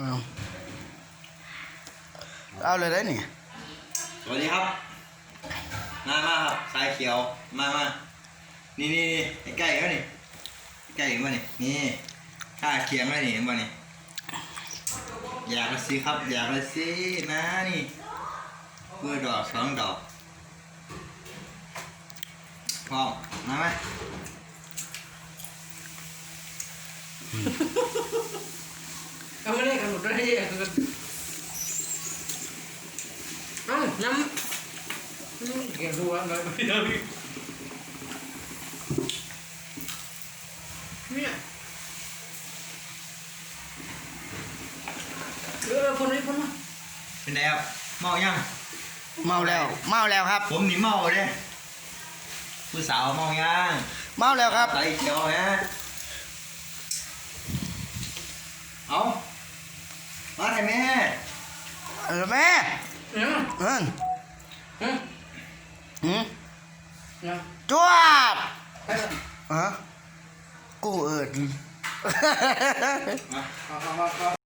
เอาเลยได้นี่สวัสดีครับมาครับสายเขียวมานี่ใกล้แล้วนี่ใกล้มานี่ข้าเคียงแล้วนี่เห็นป่ะนี่อยากละสิครับอยากละสินะนี่เพื่อดอก2 ดอกพร้อมมาไหมเอาไม่ได้กันหมดเลยน้ำเกี่ยวหัวเลยเนี่ยคนนี้คนมาเป็นไงครับเมายังเมาแล้วครับผมนี่เมาเลยผู้สาวเมายังเมาแล้วครับสายเขียวฮะเอามาให้แม่แม่จวบกูเอิด